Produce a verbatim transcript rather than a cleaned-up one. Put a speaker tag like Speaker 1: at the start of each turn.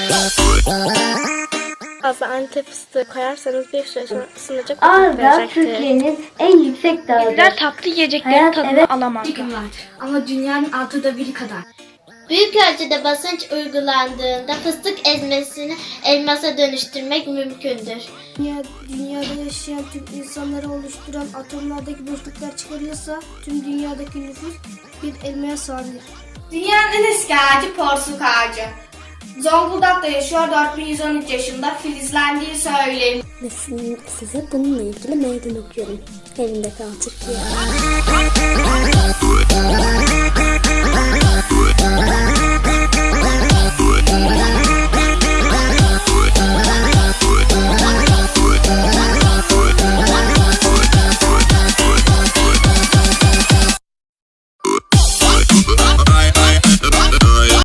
Speaker 1: Fazla Antep fıstığı koyarsanız bir süre sonra ısınacak.
Speaker 2: Ağrı Türkiye'nin en yüksek dağıdır.
Speaker 3: Bizler tatlı yiyeceklerin
Speaker 2: Hayat,
Speaker 3: tadını
Speaker 2: evet.
Speaker 3: alamazlar.
Speaker 4: Bir gün var ama dünyanın altıda biri kadar.
Speaker 5: Büyük ölçüde basınç uygulandığında fıstık ezmesini elmasa dönüştürmek mümkündür.
Speaker 6: Dünya, dünyada yaşayan tüm insanları oluşturan atomlardaki boşluklar çıkarılırsa tüm dünyadaki nüfus bir elmaya sığabilir.
Speaker 7: Dünyanın en eski ağacı porsuk ağacı. Zonguldak'ta yaşıyor, dört bin yüz on üç yaşında, filizlendiği söyleniyor.
Speaker 6: Ve size bununla ilgili meydan okuyorum. Evinde kal Türkiye.